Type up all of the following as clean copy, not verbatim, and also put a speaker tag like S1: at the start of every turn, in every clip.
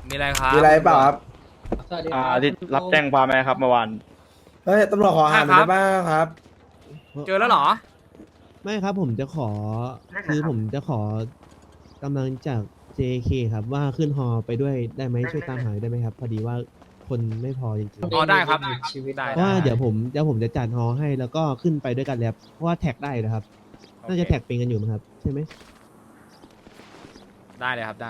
S1: มีอะไรครับ
S2: มีอะไรเปล่าครับ
S3: สวัสดีครับ
S4: ที่รับแจ้งความไหมครับเมื่อวาน
S2: เฮ้ยตำรวจขอหาหน่อยได้บ้างครับ
S1: เจอแล้วเหรอ
S5: ไม่ครับผมจะขอคือผมจะขอกำลังจาก JK ครับว่าขึ้นฮอไปด้วยได้ไหมช่วยตามหาได้ไหมครับ พอดีว่าคนไม่พอจริงๆ
S1: อ๋อได้ครับ
S3: ชีวิต
S1: ได้
S5: เพราะว่าเดี๋ยวผมจะจัดฮอให้แล้วก็ขึ้นไปด้วยกันแล้วเพราะว่าแท็กได้นะครับ น่าจะแท็กเป็นกันอยู่มั้งครับใช่ไหม
S1: ได้เลยครับได้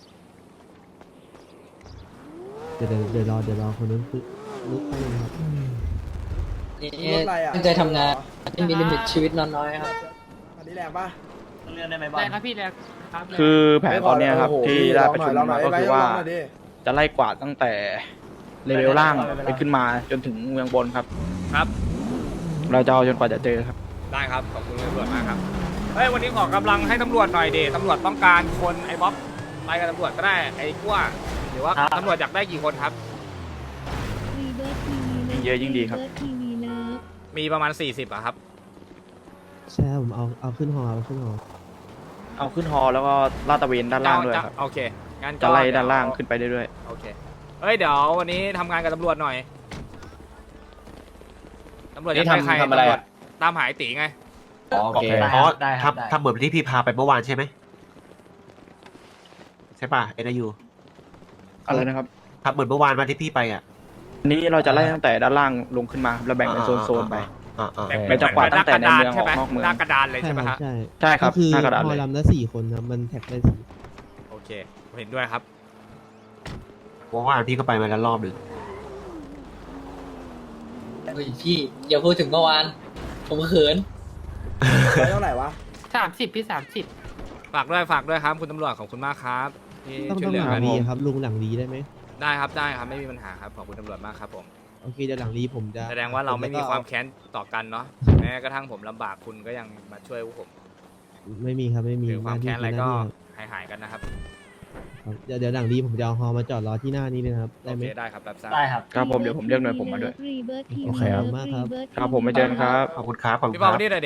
S5: เดี๋ยวรอคนนั้นคือลุกไปเลยครับ
S2: รถอะไรอ่ะ
S3: ตั้งใจทำงานไม่มีลิมิตชีวิตนอนน้อยครับ
S2: อันนี้แรงปะ
S6: ได้ครับพี่แรงครับ
S4: คือแผนตอนเนี้ยครับ
S2: โอ้โห
S4: ที่ได้ประชุม
S2: ลองหน่
S4: มา
S2: อย
S4: ก็คือว่า
S2: ลองหน่อยดิ
S4: จะไล่กวาดตั้งแต่เลเวลล่างไปขึ้นมาจนถึงเมืองบนครับ
S1: ครับ
S4: เราจะเอาจนกว่าจะเจอครับ
S1: ได้ครับ ขอบคุณตำรวจมากครับ เฮ้ย วันนี้ขอกำลังให้ตำรวจหน่อยเดตำรวจต้องการคนไอ้บ๊อบไปกับตำรวจก็ได้ ไอ้กั้วหรือว่าตำรวจอยากได้กี่คนครับ
S4: ยิ่งเยอะยิ่งดีครับ
S1: มีประมาณ 40อะครับ
S5: ใช่ครับผมเอาขึ้นฮอเอาขึ้นฮอ
S4: เอาขึ้นฮอแล้วก็ลาดตระเวนด้านล่างด้วยครับ
S1: โอเค งั้นก็
S4: จะไล่ด้านล่างขึ้นไปเรื่อย
S1: โอเค เฮ้ย เดี๋ยววันนี้ทำงานกับตำรวจหน่อย ตำรวจจะใคร
S7: ทำอะไร
S1: ตำวจ
S7: อะ
S1: ตามหายตีไง
S7: โอเคอ๋อทำเหมือนที่พี่พาไปเมื่อวานใช่ไหมใช่ป่ะเอ็นยู
S4: ๆอะไรนะครับ
S7: ทำเหมือนเมื่อวานมาที่พี่ไปอ่ะ
S4: อันนี้เราจะไล่ตั้งแต่ด้านล่างลงขึ้นมาครับแล้วแบ่งเป็นโซนๆไป เราจะกวาดตั้งแต่ในเมืองออกนอกเมือง
S1: หน้ากระดานเลย
S5: ใช่
S1: ใช่ไหม
S5: ครับ
S1: ฮะ
S5: ใช่
S4: ใช่ครับ
S5: ก็คือ
S4: หน้ากระดาษ
S5: ฮ
S4: เล
S5: อย ลำละ4 คนครับมันแท็กได้สี่
S1: โอเคผมเห็นด้วยครับ
S7: เมื่อวานพี่ก็ไปมาแล้วรอบหนึ่ง
S3: เฮ้ยพี่อย่าพูดถึงเมื่อวาน ผมเขิน
S2: ไปเท่าไหร่วะ
S6: 30พี่30
S1: ฝากด้วยครับคุณตำรวจขอบคุณมากครับที่
S5: ต้อง
S1: ช่วยเหลือ
S5: หลั
S1: กั
S5: ง
S1: น
S5: รีครับลุงหลังรีได้ไหม
S1: ได้ครับไม่มีปัญหาครับขอบคุณตำรวจมากครับผม
S5: โอเคเดี๋ยวหลังรีผมจะ
S1: แสดงว่าเราไม่มีความแค้นต่อกันเนาะแม้กระทั่งผมลำบากคุณก็ยังมาช่วยพวกผม
S5: ไม่มีครับไม่มี
S1: ถือความแค้นอะไรก็
S5: หน้าที่
S1: หายกันนะครับ
S5: ครับเดี๋ยวหลังรีผมจะเอาฮอมาจอดรอที่หน้านี้เลยนะครับได้
S1: โอ
S5: ไหม
S1: เคได้ครับรับทราบ
S3: ได้ครับ
S4: ครับผมเดี๋ยวผมเรียกหน่วยผมมาด้วย
S5: โอเคครับมากครับ
S4: ครับผมไม่เจอกันครับ
S7: ขอบคุณครับขอบคุณ
S1: พี่
S7: ค
S1: บอ
S7: รั
S1: ล
S7: บ
S1: นี่เลยเด็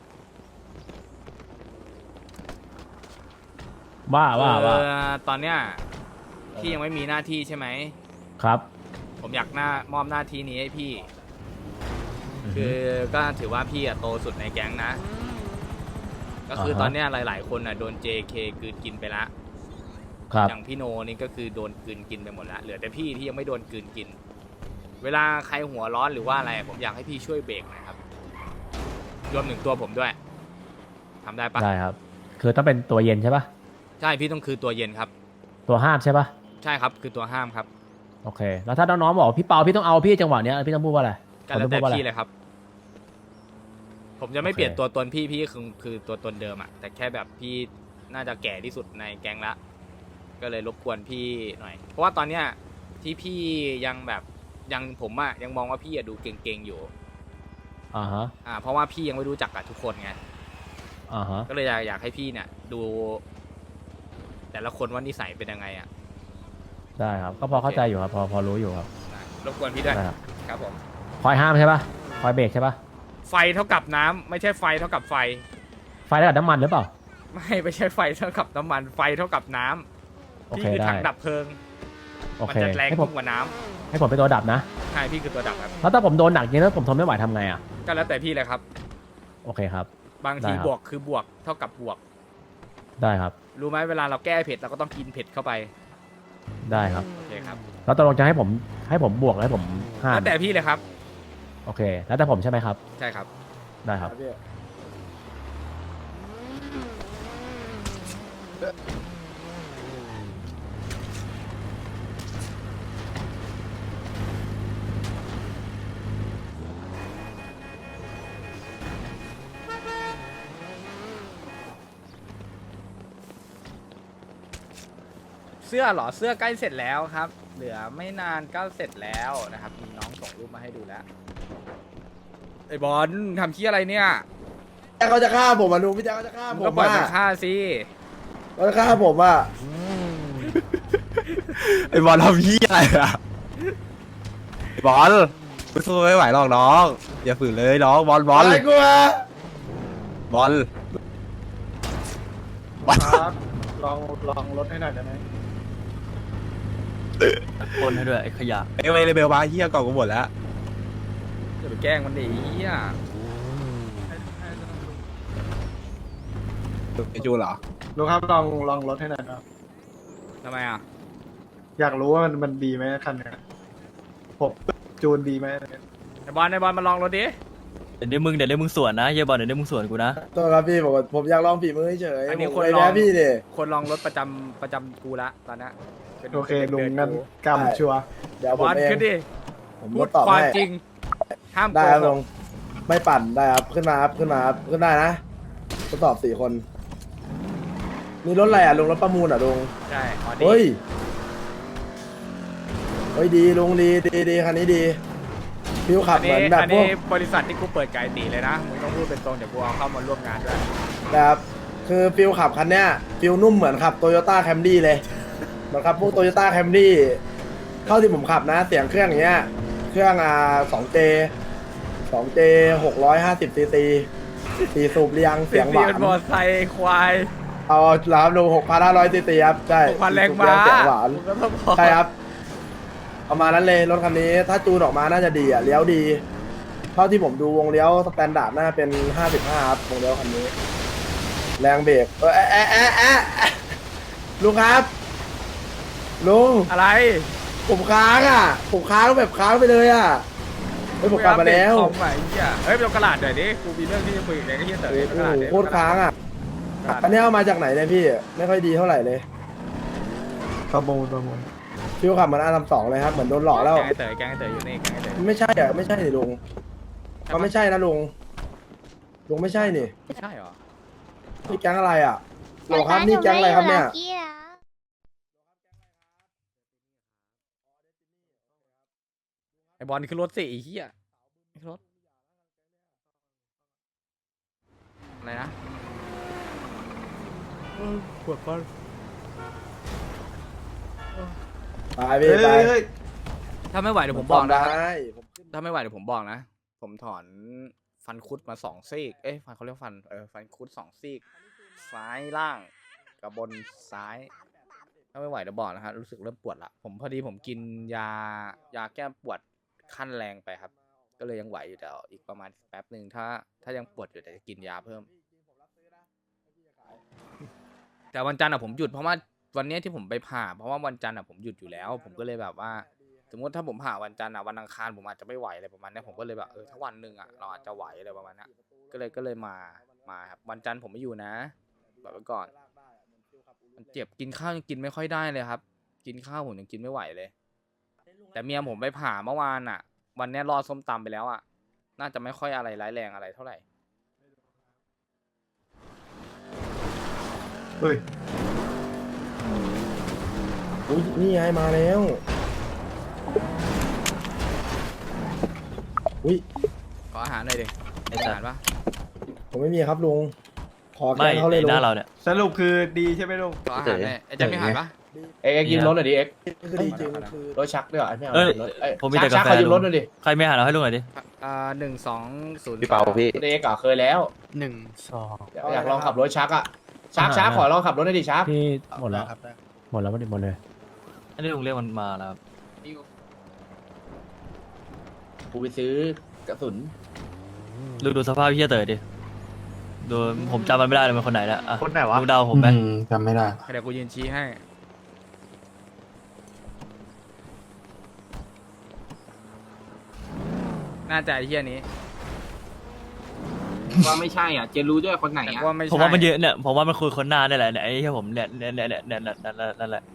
S6: ว่า
S1: ตอนเนี้ยพี่ยังไม่มีหน้าที่ใช่ไหม
S6: ครับ
S1: ผมอยากมอบหน้าที่นี้ให้พี่ คือก็ถือว่าพี่อะโตสุดในแก๊งนะ ก็คือตอนเนี้ยหลาย ๆ คนอะโดน JK กลืนกินไปละ
S6: ครับ
S1: อย่างพี่โนนี่ก็คือโดนกลืนกินไปหมดละเหลือแต่พี่ที่ยังไม่โดนกลืนกิน เวลาใครหัวร้อนหรือว่าอะไร ผมอยากให้พี่ช่วยเบรกหนะครับ รวมถึงตัวผมด้วยทำได้ปะ
S6: ได้ครับ คือต้องเป็นตัวเย็นใช่ปะ
S1: ใช่พี่ต้องคือตัวเย็นครับ
S6: ตัวห้ามใช่ปะ
S1: ใช่ครับคือตัวห้ามครับ
S6: โอเค แล้วถ้าน้องๆบอกพี่เปาพี่ต้องเอาพี่จังหวะเนี้ยพี่ต้องพูดว่าอะไร
S1: ก็แล้วแต่
S6: ผมต้องพูดว่าอะไร
S1: พี่เลยครับ ผมจะไม่
S6: โอเค
S1: เปลี่ยนตัวตนพี่คือตัวตนเดิมอะแต่แค่แบบพี่น่าจะแก่ที่สุดในแก๊งละ ก็เลยรบกวนพี่หน่อย เพราะว่าตอนเนี้ยที่พี่ยังแบบยังผมอะยังมองว่าพี่อะดูเก่งๆอยู่
S6: อ่าฮะ
S1: เพราะว่าพี่ยังไม่รู้จักกับทุกคนไง
S6: อ่าฮะ
S1: ก็เลยอยากให้พี่เนี่ยดู แต่ละคนว่านิสัยเป็นยังไงอะ
S6: ได้ครับ ก็พอเข้าใจอยู่ครับ พอรู้อยู่ครับ
S1: รบกวนพี่ด้วย
S6: ได้ครับ
S1: ครับผม
S6: คอยห้ามใช่ปะคอยเบรกใช่ปะ
S1: ไฟเท่ากับน้ำไม่ใช่ไฟเท่ากับไฟ
S6: ไฟได้กับน้ำมันหรือเปล่า
S1: ไม่ใช่ไฟเท่ากับน้ำมันไฟเท่ากับน้ำ
S6: โอ
S1: พี่
S6: เค
S1: คือ
S6: ได้
S1: ถังดับเพลิง
S6: โอ
S1: มัน
S6: เค
S1: จะแรง
S6: ให้ผม
S1: ยิ่งกว่าน้ำ
S6: ให้ผมเป็นตัวดับนะ
S1: ใช่พี่คือตัวดับครับ
S6: แล้วถ้าผมโดนหนักจริงแล้วผมทนไม่ไหวทำไงอ่ะ
S1: ก็แล้วแต่พี่เลยครับ
S6: โอเคครับ
S1: บางที
S6: ได้ครับ
S1: บวกคือบวกเท่ากับบวก
S6: ได้ครับ
S1: รู้ไหมเวลาเราแก้เผ็ดเราก็ต้องกินเผ็ดเข้าไป
S6: ได้ครับ
S1: โอเคครับ
S6: แล้วตกลงจะให้ผมบวกแล้วให้ผมห้าม
S1: แล้วแต่พี่เลยครับ
S6: โอเค แล้วแต่ผมใช่ไหมครับ
S1: ใช่ครับ
S6: ได้ครับ
S2: พี่
S1: เสื้อเหรอเสื้อใกล้เสร็จแล้วครับ เหลือไม่นานก็เสร็จแล้วนะครับมีน้องส่งรูปมาให้ดูแล้วไอ้บอลทำขี้อะไรเนี่ย
S2: แจ็คเขาจะฆ่าผมอ่ะลุงพี่แจ็คเขาจะฆ่า
S1: มึ
S2: ผ
S1: งก็
S2: ม
S1: ปล่อย
S2: อ่ะ
S1: มันฆ่าสิ
S2: เขาจะฆ่าผมอ่ะ
S7: ไอ้บอลทำพี่อะไรอ่ะไอ้บอลกูสู้ไม่ไหวหรอกน้องอย่าฝืนเลยน้องบอล
S2: อะไรกูอ่ะ
S7: บอล
S2: ครับลองรถให้หน่อยได้ไหม
S8: ปนให้ด้วยไอ้ขยะ
S7: ไอ้เลเบลบ้าเฮียก่อนกูหมดแล้ว
S1: จะไปแกล้งมันดิเหี้ย
S7: ไอจูเหรอ
S9: ลุงครับลองรถให้หน่อยครับ
S1: ทำไมอ่ะ
S9: อยากรู้ว่ามันดีไหมคันเนี้ยผมจูนดีไหม
S1: ไอบอลมาลองรถดิ
S8: เดี๋ยวได้มึงสวนนะเฮียบอลเดี๋ยวได้มึงสวนกูนะ
S2: ตัวครับพี่ผมอยากลองฝีมือเฉย
S1: อันนี้
S2: ผม
S1: คน
S2: เคย
S1: ลอง
S2: แพ้พี่ดิ
S1: คนลองรถประจำกูละตอนนี้ป็น
S9: โอเค
S1: ป็น
S9: ลุง
S1: ดือ
S9: งั้น
S1: กู
S9: กำชัวร์
S2: เดี๋ยว
S1: บ
S2: ผม
S1: อล
S2: เอง
S1: ขึ้นดิ
S2: ผม
S1: พู
S2: ก็
S1: ด
S2: ตอบ
S1: ความ
S2: ให้
S1: จริง ห้ามโก
S2: ได้ครับ
S1: ห
S2: ลุ
S1: ก
S2: งไม่ปั่นได้ครับขึ้นมาครับขึ้นได้นะทดสอบ4 คนนี่รถอะไรอ่ะลุงรถประมูลอ่ะลุง
S1: ใช่ออ
S2: เฮ้ย
S1: ดี้
S2: เฮ้ยดีลุงดีคันนี้ดีฟิวขับเหมือนแบบ
S1: อัน
S2: พว
S1: นี้
S2: ก
S1: บริษัทที่กูเปิดไก่ตีเลยนะมึงต้องพูดเป็นตรงเดี๋ยวกูเอาเข้ามาร่วมงานด้วย
S2: แบบคือฟิวขับคันเนี้ยฟิวนุ่มเหมือนขับโตโยต้าแคมรี่เลยเหมือนขับพวกโตโยต้าแคมรี่เท่าที่ผมขับนะเสียงเครื่องอย่างเงี้ยเครื่อง2J 650 cc 4 สูบเรียงเสียงหวา
S1: เป็นมอน ไซค์ควาย
S2: เอาแล้วครับลุง6,500 cc ครับใช่
S1: 6,000 แรง
S2: สูบ
S1: ม้า
S2: เสียงหวาน
S1: มึงก็ต้องบอก
S2: ใช่ครับประมาณนั้นเลยรถคันนี้ถ้าจูนออกมาน่าจะดีอ่ะเลี้ยวดี เท่าที่ผมดูวงเลี้ยวสแตนดาร์ดน่าเป็น55ครับวงเลี้ยวคันนี้ แรงเบรกลุงครับลุง
S1: อะไร
S2: ผมค้างอ่ะผมค้างแบบค้างไปเลยอ่ะเฮ้ยผมกลับมาแล้ว
S1: ของใหม่เหี้ยเฮ้ยไปเอากระดาษหน่อยดิกูมีเรื่องที่จะคุยกับแกก็เหี้ยเต๋อ
S2: โอ้
S1: ไปเอากระดาษ
S2: โห
S1: ดิ
S2: โคตรค้างอ่ะ
S1: กระดาษ
S2: อันนี้เอามาจากไหนเนี่ยพี่ไม่ค่อยดีเท่าไหร่เลย
S9: ประมูล
S2: ฟิวขับเหมือนR32เลยครับเหมือนโดนหลอกแล้ว
S1: แกงไอ้เต๋ออยู่นี่แกงไอ้เต๋อ
S2: ไม่ใช่อ่ะไม่ใช่นี่ลุงมันไม่ใช่นะลุงไม่ใช่นี่
S1: ไม่ใช่เหรอ
S2: นี่แก๊งอะไรอ่ะโหลครับนี่แก๊งอะไรครับเนี่ย
S1: ไอบอลคือรถสิไอ้เหี้ยรถอะไรนะปวดฟัน
S2: ไปพี่ไป
S1: ถ้าไม่ไหวเดี๋ยวผมบอกนะ
S2: ได้ผม
S1: ถ้าไม่ไหวเดี๋ยวผมบอกนะ ผมถอนฟันคุดมา2 ซี่เอ้ยฟันเขาเรียกฟันฟันคุด2 ซี่ซ้ายล่างกับบนซ้าย ถ้าไม่ไหวเดี๋ยวบอกนะฮะรู้สึกเริ่มปวดละผมพอดีผมกินยาแก้ปวดขั้นแรงไปครับ ก็เลยยังไหวอยู่แต่อีกประมาณแป๊บหนึ่งถ้ายังปวดอยู่แต่จะกินยาเพิ่ม แต่วันจันทร์อะผมหยุดเพราะว่าวันเนี้ยที่ผมไปผ่าเพราะว่าวันจันทร์อะผมหยุดอยู่แล้ว ผมก็เลยแบบว่า สมมติถ้าผมผ่าวันจันทร์อะวันอังคารผมอาจจะไม่ไหวอะไรประมาณเนี้ยผมก็เลยแบบถ้าวันหนึ่งอะเราอาจจะไหวอะไรประมาณเนี้ยก็เลยมาครับวันจันทร์ผมไม่อยู่นะบอกไว้ก่อนมันเจ็บกินข้าวยังกินไม่ค่อยได้เลยครับ กินข้าวผมยังกินไม่ไหวเลย แต่เมียผมไปผ่าเมื่อวานอะวันเนี้ยรอส้มตำไปแล้วอะน่าจะไม่ค่อยอะไรร้ายแรงอะไรเท่าไหร่
S9: เฮ้ย
S2: อุ๊ยนี่ไงมาแล้วอุ้ย
S1: ขออาหารหน่อยดิอาหารปะ
S2: ผมไม่มีครับลุงขอ
S8: ไม่
S2: แกงเขาเลย
S8: ใน
S2: ลุ
S8: ห
S2: ง
S8: น้าเราเนี่ย
S9: สรุปคือดีใช่ไหมลุง
S1: ขออาหารหน่อยไอ้แจ็คมีอาหารปะ
S4: เอ็กยืมรถหน่อยดิเอ็ก
S2: คือดีจริงคือ
S4: รถชักด้วยเหรอไม่เอา
S8: เอ้ย
S4: รถ
S8: ผมมีแต่กาแฟ
S4: ชัขอยืมรถหน่อยดิ
S8: ใครไม่หาเราให้ลุงหน่อยดิ
S1: 1200
S7: พี่เปาพี่
S4: เอ็กเคยแล้ว อยากลองขับรถชักอ่ะชักขอลองขับรถหน่อยดิชัก
S6: พี่หมดแล้วหมดแล้วหมดเลย
S8: อันนี้ลุงเรียกมันมาแล้วครับ
S4: กูไปซื้อกระสุน
S8: ลุงดูสภาพพี่เต๋อดิดูผมจำมันไม่ได้เลยมันคนไหนแล้วอ่ะ
S9: คนไหนวะ
S8: ลุงเดาผมไหม
S9: จำไม่ได้
S1: เดี๋ยวกูยืนชี้ให้ น่าจะไอ้เหี้ยนี้
S4: ว่าไม่ใช่อ่ะเจนรู้ด้วยคนไหน
S1: แต่
S4: อ่ะ
S1: ว่าไม่ใช่
S8: ผมว่ามันเยอะเนี่ยผมว่ามันคุยคนหน้าได้แหละเนี่ยไอ้ที่ผมเนี่ยนั่นแหละ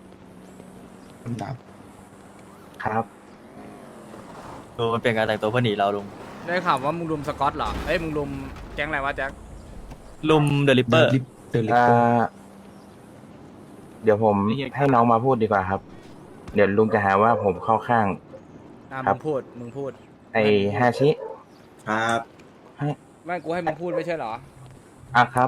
S7: ครับ
S8: ดูมันเปลี่ยนการแต่งตัวเพื่อหนีเราลุง
S1: ได้ข่าวว่ามึงรุมสกอตเหรอเอ้ยมึงรุมแก๊งอะไรวะแจ็ค
S8: ลุมเดลิเปอร์
S7: เดี๋ยวผมให้น้องมาพูดดีกว่าครับ เดี๋ยวลุงจะหาว่าผมเข้าข้าง ครั
S1: มึ
S7: บ
S1: งพูด
S7: ไอ้ฮาชิ
S2: ครับ
S1: ไม่กูให้มึงพูดไม่ใช่เหรอ
S7: อ่ะครับ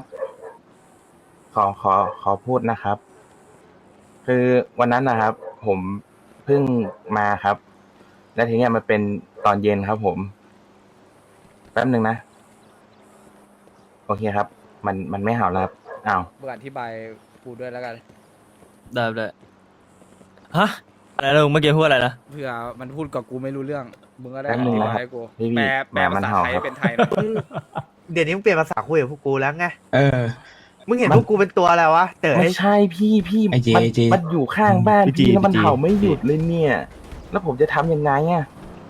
S7: ขอพูดนะครับ คือวันนั้นนะครับ ผมเพิ่งมาครับ แล้วทีเนี้ยมันเป็นตอนเย็นครับ ผมแป๊บหนึ่งนะ โอเคครับ มันไม่เห่าแล้วครับอ้าว
S1: เบื่ออธิบายกูด้วยแล้วกัน
S8: ได้ฮะอะไรนะลุงเมื่อกี้พูดอะไรนะ
S1: เผื่อมันพูดกับกูไม่รู้เรื่องมึงก็ได้
S7: แป๊บ
S1: อ
S7: นึง
S1: ธิ
S7: นะ
S1: บาย
S7: ครับ
S1: ให้กู
S7: พี่
S1: แปลภาษาไทย
S7: ครับ
S1: เป็นไทยหน่อย
S10: เดี๋ยวนี้มึงเปลี่ยนภาษาคุยกับพวกกูแล้วไง
S9: เออ
S10: มึงเห็นพวกกูเป็นตัวอะไรวะเต๋อ
S7: ไม่ใช่พี่
S9: ไอ้เจ
S7: มัน
S9: ไอ้เจ
S7: มันอยู่ข้างบ้าน
S9: พี่จี
S7: พี่แล้วมัน
S9: พี่จี
S7: เห่าไม่หยุดเลยเนี่ย แล้วผมจะทำยังไงอ่ะ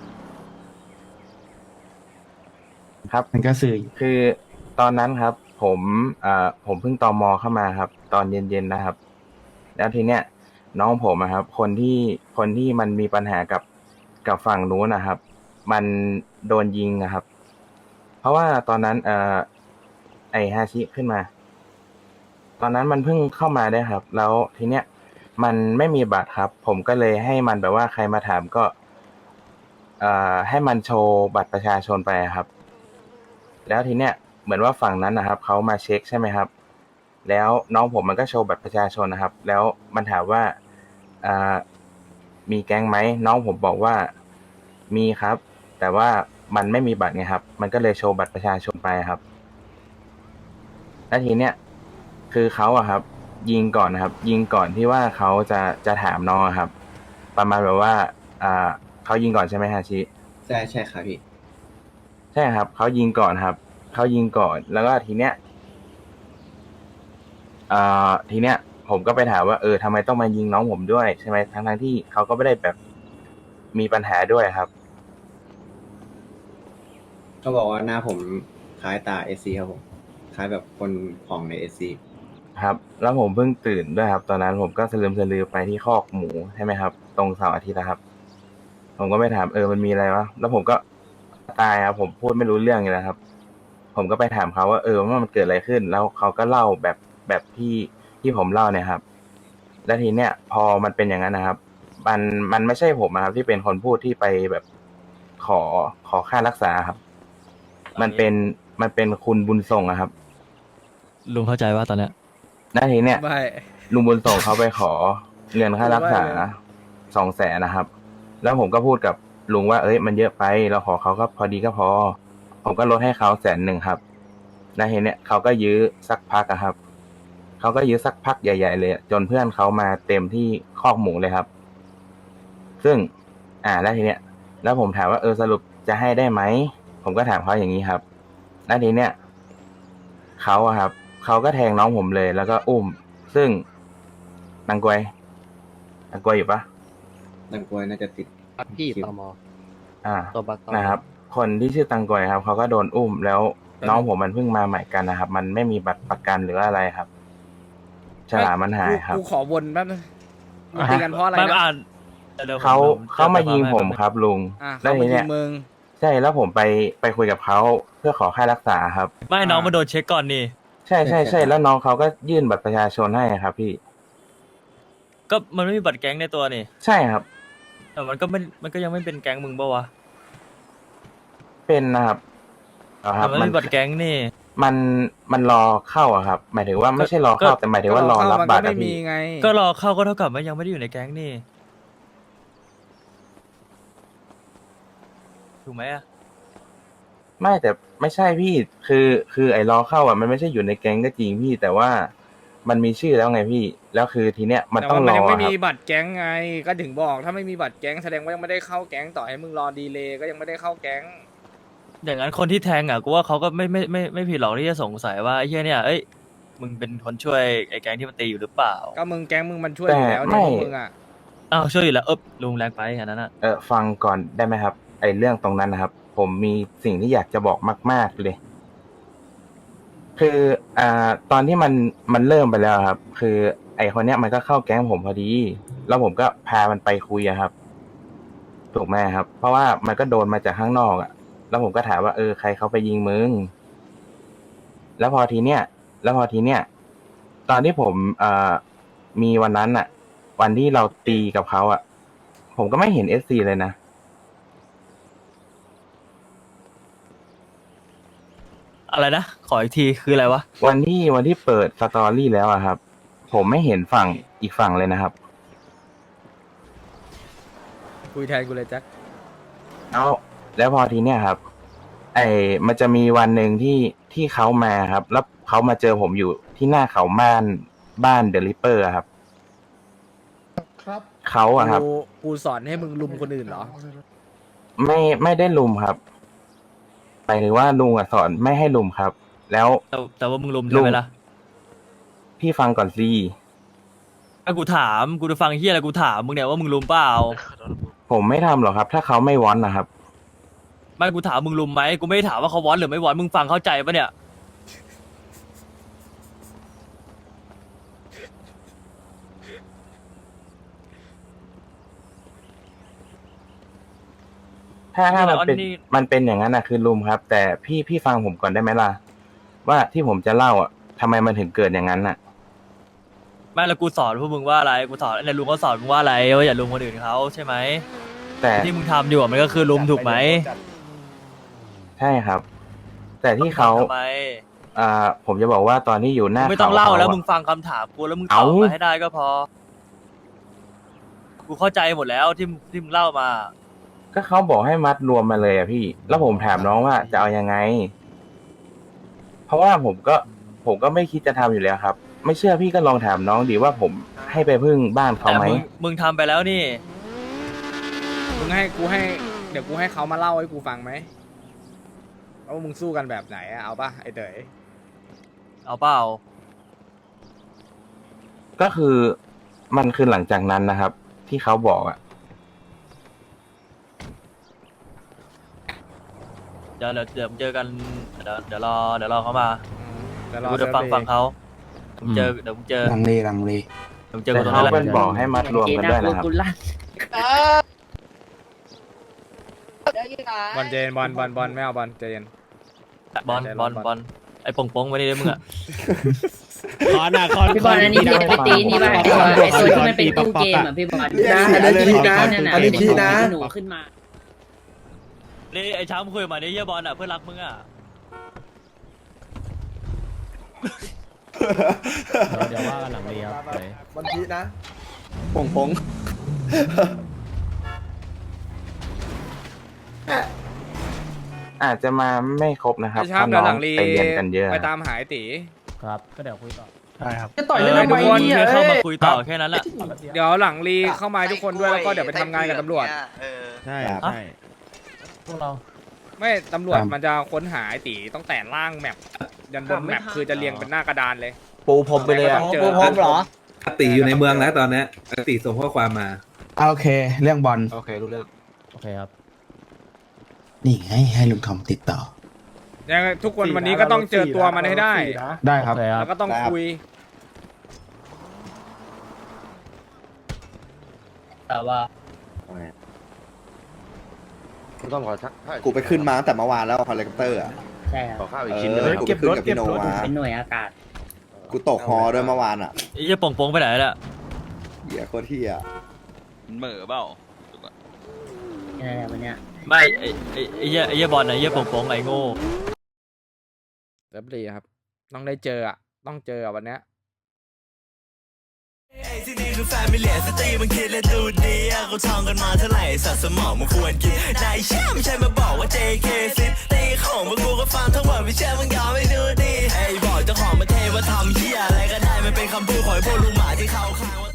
S7: ครับ
S9: มันก็สื่อ
S7: คือตอนนั้นครับ ผมเพิ่งตมเข้ามาครับ ตอนเย็นๆนะครับ แล้วทีเนี้ยน้องผมอะครับ คนที่มันมีปัญหากับฝั่งนู้นนะครับ มันโดนยิงอะครับ เพราะว่าตอนนั้นไอฮาชิขึ้นมา ตอนนั้นมันเพิ่งเข้ามาได้ครับ แล้วทีเนี้ยมันไม่มีบัตรครับ ผมก็เลยให้มันแบบว่าใครมาถามก็ให้มันโชว์บัตรประชาชนไปครับ แล้วทีเนี้ยเหมือนว่าฝั่งนั้นนะครับเขามาเช็คใช่ไหมครับ แล้วน้องผมมันก็โชว์บัตรประชาชนนะครับ แล้วมันถามว่ามีแก๊งไหมน้องผมบอกว่ามีครับ แต่ว่ามันไม่มีบัตรไงครับ มันก็เลยโชว์บัตรประชาชนไปครับ แล้วทีเนี้ยคือเขาอะครับ ยิงก่อนนะครับ ยิงก่อนที่ว่าเขาจะถามน้องอะครับ ประมาณแบบว่าเขายิงก่อนใช่ไหมฮาชิ
S3: ใช่ครับพี่
S7: ใช่ครับเขายิงก่อนครับเขายิงก่อนแล้วก็ทีเนี้ยผมก็ไปถามว่าทำไมต้องมายิงน้องผมด้วยใช่ไหมทั้งที่เขาก็ไม่ได้แบบมีปัญหาด้วยครับ
S3: ก็บอกว่าหน้าผมคล้ายตาเอซีครับผมคล้ายแบบคนของในเอซี
S7: ครับ แล้วผมเพิ่งตื่นด้วยครับ ตอนนั้นผมก็สลืมไปที่คอกหมูใช่ไหมครับ ตรงเสาร์อาทิตย์นะครับ ผมก็ไปถามมันมีอะไรวะแล้วผมก็ตายครับผมพูดไม่รู้เรื่องเลยนะครับ ผมก็ไปถามเขาว่าว่ามันเกิดอะไรขึ้น แล้วเขาก็เล่าแบบที่ผมเล่าเนี่ยครับ แล้วทีเนี้ยพอมันเป็นอย่างนั้นนะครับ มันไม่ใช่ผมนะครับ ที่เป็นคนพูดที่ไปแบบขอค่ารักษาครับ มันเป็นคุณบุญส่งอะครับ
S8: ลุงเข้าใจว่าตอนเนี้ย
S7: แล้วทีเนี้ย
S1: ไม่
S7: ลุงบุญส่งเขาไปขอเงินค่ารักษา200,000นะครับ แล้วผมก็พูดกับลุงว่ามันเยอะไปเราขอเขาก็พอดีก็พอ ผมก็ลดให้เขา100,000ครับแล้วทีเนี้ยเขาก็ยื้อสักพักอะครับเขาก็ยื้อสักพักใหญ่ๆเลยจนเพื่อนเขามาเต็มที่คอกหมูเลยครับ ซึ่งแล้วทีเนี้ยแล้วผมถามว่าสรุปจะให้ได้ไหมผมก็ถามเขาอย่างนี้ครับแล้วทีเนี้ยเขาอะครับเขาก็แทงน้องผมเลย แล้วก็อุ้มซึ่งนางกวยอยู่ปะ
S3: นังกวยน่าจะติด
S10: พี่ตม ตัวบัตร
S7: นะครับ คนที่ชื่อตังกวยครับเขาก็โดนอุ้มแล้วน้องผมมันเพิ่งมาใหม่กันนะครับ มันไม่มีบัตรประกันหรืออะไรครับฉลามมันหายครับ
S1: กูขอวนแป๊บนึงมึงตีกันเพราะอะไร
S8: ไม่
S1: นะ
S8: อ่านดี๋ยวผ
S7: เขามายิงผมครับลุง
S1: เขา
S7: ที
S1: มายิ
S7: เนี้
S1: ง
S7: ย
S1: มึง
S7: ใช่แล้วผมไปคุยกับเขาเพื่อขอค่ารักษาครับ
S8: ไม่น้องมาโดนเช็คก่อนนี่
S7: ใช่แล้วน้องเขาก็ยื่นบัตรประชาชนให้ครับพี่
S8: ก็มันไม่มีบัตรแก๊งในตัวนี่
S7: ใช่ครับ
S8: แต่มันก็ยังไม่เป็นแก๊งมึงปะวะ
S7: เป็นนะครับค
S8: แต่
S7: รับ
S8: มันไม่มีบัตรแก๊งนี่
S7: มันรอเข้าอะครับ หมายถึงว่าไม่ใช่รอเข้าแต่หมายถึงว่ารอรับบัตร
S1: มันก็
S7: อะ
S1: ไม่มี
S7: พี่
S1: ไง
S8: ก็รอเข้าก็เท่ากับว่ายังไม่ได้อยู่ในแก๊งนี่ถูกไหมอะ
S7: ไม่แต่ไม่ใช่พี่คือไอ้รอเข้าอ่ะมันไม่ใช่อยู่ในแก๊งก็จริงพี่แต่ว่ามันมีชื่อแล้วไงพี่แล้วคือทีเนี้ยมัน
S1: แต่
S7: ต้อง
S1: ว่าร มัน
S7: อ
S1: ยังไม่
S7: ครั
S1: มี
S7: บ
S1: บัตรแก๊งไง ก็ถึงบอกถ้าไม่มีบัตรแก๊งแสดงว่ายังไม่ได้เข้าแก๊งต่อให้มึงรอดีเลย์ก็ยังไม่ได้เข้าแก๊ง
S8: อย่างนั้นคนที่แทงอ่ะกูว่าเขาก็ไม่ผิดหรอกที่จะสงสัยว่าไอ้เหี้ยเนี่ยมึงเป็นคนช่วยไอ้แก๊งที่มันตีอยู่หรือเปล่า
S1: ก็มึงแก๊งมึงมันช่วยอยู่แล้วเนี่ยพวกมึงอ่ะ
S8: อ้าวช่วยอยู่แล้วลุงแรงไปอันนั้นอ่ะ
S7: ฟังก่อนได้ไหมครับไอ้เรื่องตรงนั้นนะครับ ผมมีสิ่งที่อยากจะบอกมาก ๆเลย คือตอนที่มันเริ่มไปแล้วครับ คือไอ้คนเนี้ยมันก็เข้าแก๊งผมพอดี แล้วผมก็พามันไปคุยอะครับ ถูกไหมครับ เพราะว่ามันก็โดนมาจากข้างนอกอะแล้วผมก็ถามว่าใครเขาไปยิงมึงแล้วพอทีเนี้ยตอนที่ผมมีวันนั้นอะวันที่เราตีกับเขาอะผมก็ไม่เห็นSCเลยนะ
S8: อะไรนะขออีกทีคืออะไรวะ
S7: วันที่เปิดสตอรี่แล้วอะครับ ผมไม่เห็นฝั่งอีกฝั่งเลยนะครับ
S1: คุยแทนกูเลยแจ็ค
S7: แล้วพอทีเนี้ยครับ มันจะมีวันหนึ่งที่เขามาครับ แล้วเขามาเจอผมอยู่ที่หน้าเขาบ้านเดลิเปอร์ครับเขาอะครับ
S1: กูสอนให้มึงลุมคนอื่นเหรอ
S7: ไม่ได้ลุมครับหมายถึงว่าลุงอะสอนไม่ให้ลุมครับ แล้ว
S8: แต่ว่ามึงลุมใช่ไหมล่ะ
S7: พี่ฟังก่อนสิ
S8: ถ้ากูถามกูจะฟังเฮียอะไรกูถามมึงเนี่ยว่ามึงลุมเปล่า
S7: ผมไม่ทำหรอกครับ ถ้าเขาไม่วอนนะครับ
S8: ไม่กูถามมึงลุมไหมกูไม่ได้ถามว่าเขาวอนหรือไม่วอนมึงฟังเข้าใจปะเนี่ย
S7: ถ้ามันเป็นอย่างนั้นนะคือลุมครับ แต่พี่ฟังผมก่อนได้ไหมล่ะ ว่าที่ผมจะเล่าอ่ะทำไมมันถึงเกิดอย่างนั้นน่ะ
S8: ไม่แล้วกูสอนพวกมึงว่าอะไรกูสอนในลุงเขาสอนมึงว่าอะไรว่าอย่าลุมคนอื่นเขาใช่ไหม
S7: แต่
S8: ที่มึงทำอยู่อะมันก็คือลุมถูกไหม
S7: ใช่ครับ แต่ที่เขา
S8: ทำไม
S7: ผมจะบอกว่าตอนที่อยู่หน้า
S8: ไม่ต้องเล่า
S7: ข
S8: แล้ว
S7: อะ
S8: มึงฟังคำถามกูแล้วมึงตอบมาให้ได้ก็พอ กูเข้าใจหมดแล้วที่มึงเล่ามา
S7: ก็เขาบอกให้มัดรวมมาเลยอะพี่ แล้วผมถามน้องว่าจะเอายังไง เพราะว่าผมก็ไม่คิดจะทำอยู่แล้วครับ ไม่เชื่อพี่ก็ลองถามน้องดีว่าผมให้ไปพึ่งบ้านเขา
S8: แต่
S7: ไหม
S8: มึงทำไปแล้วนี่
S1: มึงเดี๋ยวกูให้เขามาเล่าให้กูฟังไหมว่ามึงสู้กันแบบไหนอะเอาปะไอเต๋ย
S8: เอาเปล่า
S7: ก็คือมันคือหลังจากนั้นนะครับ ที่เขาบอกอะ
S8: เดี๋ยวเจอกันเดี๋ยวรอเขามา
S1: เดี๋ยวรอ
S8: กูจะฟังเขาเดี๋ยวมึงเจอ
S10: ลังเล
S8: เดี๋ยวมึงเจอ
S7: แต่
S8: กูตรง
S7: เขา
S8: นั้นแหละ
S7: เป็นบอกให้มัดรวมกันด้วยนะครับ
S1: บอลเจนบอลไม่เอาบอลเจน
S8: บอลไอ้ป่งไว้นี่ด้วยมึงอะ
S5: คอนอ่ะคอน
S11: พี่บอลอันนี้พี่ตีนี่ป่ะไอ้ตัวที่มันเป็นตู้เกมอ่ะพี่บอล
S2: นะอันนี้คีนะอันนี้คีนะ
S11: หนูขึ้นมา
S8: นี่ไอ้ช้างคุยมาเนี่ยเฮียบอลอะเพื่อนรักมึงอะ
S6: เดี๋ยวว่ากันหลังเรียบเลย
S2: มันคีนะ
S3: ปง
S7: อาจจะมาไม่ครบนะครับ
S1: ไอ้ชาม
S7: เพราะ
S1: เดี๋ยวห
S7: น้
S1: ลั
S7: อง
S1: งรี
S7: ไปเรียนกันเยอะ
S1: ไปตามหายตี
S6: ครับ ก็เดี๋ยวคุยต่อ
S9: จะต่อยเล่นทำไม
S1: ทุกคน
S9: เนี่ย
S8: เข้ามาคุยต่อแค่นั้นแหละ
S1: เดี๋ยวหลังรีเข้ามาทุกคนด้วยแล้วก็เดี๋ยวไปทำงานกับตำรวจ
S5: ใช่
S8: ครับ
S5: ใช่
S6: พวกเรา
S1: ไม่ตำรวจมันจะค้นหาไอ้ตีต้องแต่ล่างแมปยันบนแมปคือจะเรียงเป็นหน้ากระดานเลย
S10: ปูพรมไปเลย
S1: ต้
S10: อ่ะ
S1: องเจอ
S10: ปูพรมเหรอ
S12: ตีอยู่ในเมืองแล้วตอนนี้ตีส่งข้อความมา
S10: โอเค เรื่องบอล
S3: โอเครู้เรื่อง
S6: โอเคครับ
S10: นี่ให้ลุงทอมติดต่อ
S1: ยังไงทุกคนวันนี้ก็ต้องเจอตัวมันให้ได้
S10: ได้ครับ
S6: โอเคครับ
S1: แล้วก็ต้องคุย
S11: แต่ว่า
S3: กูไปขึ้นมาตั้งแต่เมื่อวานแล้วคอนเลคเตอร์อ่ะ
S11: ใช่ครับ
S3: กูไปขึ้นกับพี่โนมา
S11: เป็นหน่วยอากาศ
S3: กูตกฮอด้วยเมื่อวานอ่ะ
S8: ไอ้เฮียป่งไปไหนแล้ว
S3: เหี้ยโคตรเที่ย
S11: นี่แหละวันเนี้ย
S8: ไม่ไอ้เฮียบอลนะไอ้เฮียป่งไอ้โง่
S1: เรียบรีครับ ต้องได้เจออ่ะ ต้องเจออ่ะวันเนี้ย
S13: ที่นี่คือแฟมิเลียสตรีมันคิดและดูดีเขาท่องกันมาเท่าไหร่สัตว์สมองมันควรกินนายเชื่อไม่ใช่มาบอกว่า JK ซิตีของพวกกูก็ฟังทั้งหมดไม่เชื่อมึงยอมไม่ดูดีไอ้บอกเจ้าของมาเทว่าทำเหี้ยอะไรก็ได้มันเป็นคำพูดของพวกลุงหมาที่เข้าข้างว่า